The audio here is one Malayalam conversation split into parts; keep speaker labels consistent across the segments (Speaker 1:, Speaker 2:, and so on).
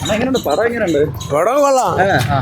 Speaker 1: പടം കൊള്ളാം.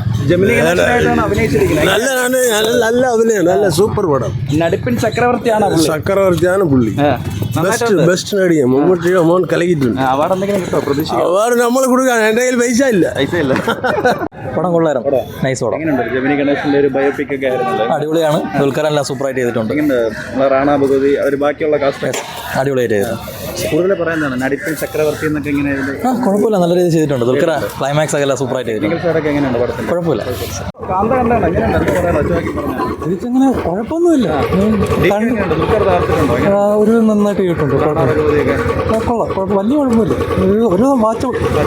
Speaker 1: നല്ല അഭിനയം, നല്ല സൂപ്പർ പടം.
Speaker 2: നടിപ്പിൻ ചക്രവർത്തിയാണ്
Speaker 1: പുള്ളി. ബെസ്റ്റ് നടിയാണ്. മമ്മൂട്ടിയോ മോൻ കലകിയിട്ടുണ്ട്.
Speaker 2: അവാർഡ് എന്തെങ്കിലും കിട്ടോ?
Speaker 1: അവാർഡ് നമ്മൾ കൊടുക്കാൻ എൻ്റെ കയ്യിൽ പൈസ ഇല്ല.
Speaker 3: പടം കൊള്ളായിരുന്നു. നൈസ് പടം.
Speaker 2: ജമിനി ഗണേശന്റെ ഒരു ബയോപിക് ഒക്കെ ആയിരുന്നല്ലോ.
Speaker 3: അടിപൊളിയാണ്. ദുൽഖറെല്ലാം സൂപ്പറായിട്ട് ചെയ്തിട്ടുണ്ട്.
Speaker 2: റാണ ഭഗവതി അവർ ബാക്കിയുള്ള കാസ്റ്റ്
Speaker 3: അടിപൊളിയായിട്ട് ചെയ്തു.
Speaker 2: കൂടുതൽ പറയുന്നതാണ് നടിപ്പിൻ ചക്രവർത്തി എന്നൊക്കെ ഇങ്ങനെ.
Speaker 3: കുഴപ്പമില്ല, നല്ല രീതിയിൽ ചെയ്തിട്ടുണ്ട്. ദുൽഖർ ക്ലൈമാക്സ് ഒക്കെ എല്ലാം സൂപ്പറായിട്ട് ചെയ്തിട്ടുണ്ട്.
Speaker 2: എങ്ങനെയുണ്ട് പടത്തിൽ?
Speaker 3: കുഴപ്പമില്ല.
Speaker 2: കാന്ത കണ്ടാണ് എങ്ങനെയുണ്ട്?
Speaker 3: ഇതിങ്ങനെ കുഴപ്പമൊന്നുമില്ല. ഒരു നന്നായിട്ട് ചെയ്തിട്ടുണ്ട്. കൊള്ളാം, വലിയ കുഴപ്പമില്ല. ഒരു വാച്ച്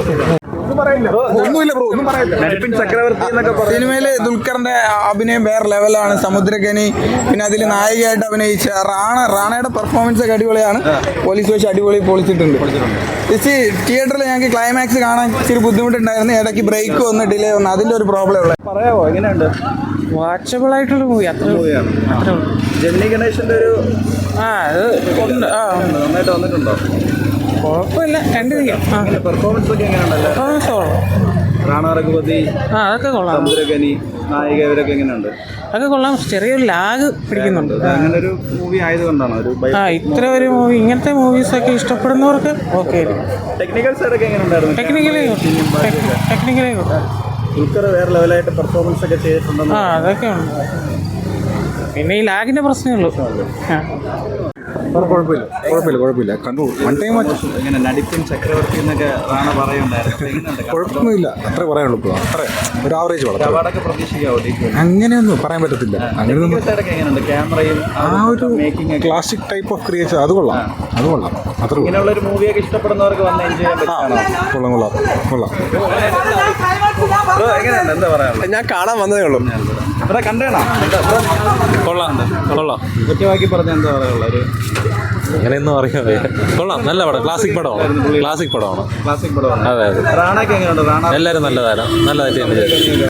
Speaker 4: സിനിമയില് ദുൽഖറിന്റെ അഭിനയം വേറെ ലെവലാണ്. സമുദ്രഖനി, പിന്നെ അതിൽ നായികയായിട്ട് അഭിനയിച്ച റാണയുടെ പെർഫോമൻസ് ഒക്കെ അടിപൊളിയാണ്. പോലീസ് വെച്ച് അടിപൊളി പൊളിച്ചിട്ടുണ്ട്. തിയേറ്ററിൽ ഞങ്ങൾക്ക് ക്ലൈമാക്സ് കാണാൻ ഇച്ചിരി ബുദ്ധിമുട്ടുണ്ടായിരുന്നു. ഇടയ്ക്ക് ബ്രേക്ക് വന്ന് ഡിലേ വന്നു, അതിന്റെ ഒരു പ്രോബ്ലം ഉള്ളത്.
Speaker 2: പറയാമോ എങ്ങനെയുണ്ട്?
Speaker 4: വാച്ചബിൾ ആയിട്ടുള്ള മൂവി.
Speaker 2: ജമിനി ഗണേശന്റെ ഒരു നന്നായിട്ട് വന്നിട്ടുണ്ടോ?
Speaker 4: കുഴപ്പമില്ല,
Speaker 2: പെർഫോമൻസ് ഒക്കെ എങ്ങനെയുണ്ടല്ലോ? റാണ രഘുപതി,
Speaker 4: അതൊക്കെ കൊള്ളാം.
Speaker 2: സമുദ്രഖനി, നായിക ഇവരൊക്കെ എങ്ങനെയുണ്ട്?
Speaker 4: അതൊക്കെ കൊള്ളാം. ചെറിയൊരു ലാഗ് പിടിക്കുന്നുണ്ട്.
Speaker 2: അങ്ങനെ ഒരു മൂവി ആയതുകൊണ്ടാണ്
Speaker 4: ഇത്ര ഒരു മൂവി, ഇങ്ങനത്തെ മൂവീസ് ഒക്കെ ഇഷ്ടപ്പെടുന്നവർക്ക് ഓക്കെ.
Speaker 2: ടെക്നിക്കൽ സൈഡൊക്കെ എങ്ങനെയുണ്ടായിരുന്നു?
Speaker 4: ടെക്നിക്കലി
Speaker 2: ദുൽഖർ വേറെ ലെവലായിട്ട് പെർഫോമൻസ് ഒക്കെ ചെയ്തിട്ടുണ്ടെന്ന്.
Speaker 4: അതൊക്കെ ഉണ്ട്. പിന്നെ ഈ ലാഗിന്റെ പ്രശ്നമേ ഉള്ളൂ.
Speaker 5: കുഴപ്പമില്ല കണ്ടു. വൺ ടൈം
Speaker 2: ഇങ്ങനെ നടിപ്പിൻ ചക്രവർത്തി എന്നൊക്കെ റാണ പറയുന്നുണ്ടായിരുന്നു.
Speaker 5: കുഴപ്പമൊന്നുമില്ല, അത്രേ പറയാനുള്ളൂ. ഇപ്പോൾ അത്ര ഒരു ആവറേജ് പടം.
Speaker 2: അവാർഡൊക്കെ പ്രതീക്ഷിക്കാവോ?
Speaker 5: അങ്ങനെയൊന്നും പറയാൻ പറ്റത്തില്ല. അങ്ങനെയൊന്നും
Speaker 2: എങ്ങനെയുണ്ട്? ക്യാമറയും
Speaker 5: ഒരു ക്ലാസിക് ടൈപ്പ് ഓഫ് ക്രിയേഷൻ, അത് കൊള്ളാം. അത്ര
Speaker 2: ഇങ്ങനെയുള്ള ഒരു മൂവിയൊക്കെ ഇഷ്ടപ്പെടുന്നവർക്ക് വന്ന് എൻജോയ് ചെയ്യാൻ പറ്റും. എങ്ങനെയുണ്ട്? എന്താ പറയാനുള്ളത്?
Speaker 1: ഞാൻ കാണാൻ വന്നതേ ഉള്ളൂ.
Speaker 2: ഇവിടെ കണ്ടേണോ?
Speaker 3: കൊള്ളാം.
Speaker 2: ഒറ്റവാക്കി പറഞ്ഞ എന്താ പറയാനുള്ളത്?
Speaker 3: അങ്ങനെയൊന്നും അറിയാതെ കൊള്ളാം. നല്ല പടം, ക്ലാസിക് പടമാണ്.
Speaker 2: ക്ലാസിക് പടമാണ്.
Speaker 3: അതെ.
Speaker 2: റാണയൊക്കെ എങ്ങനെയുണ്ട്? റാണ
Speaker 3: എല്ലാവരും നല്ലതായിട്ട്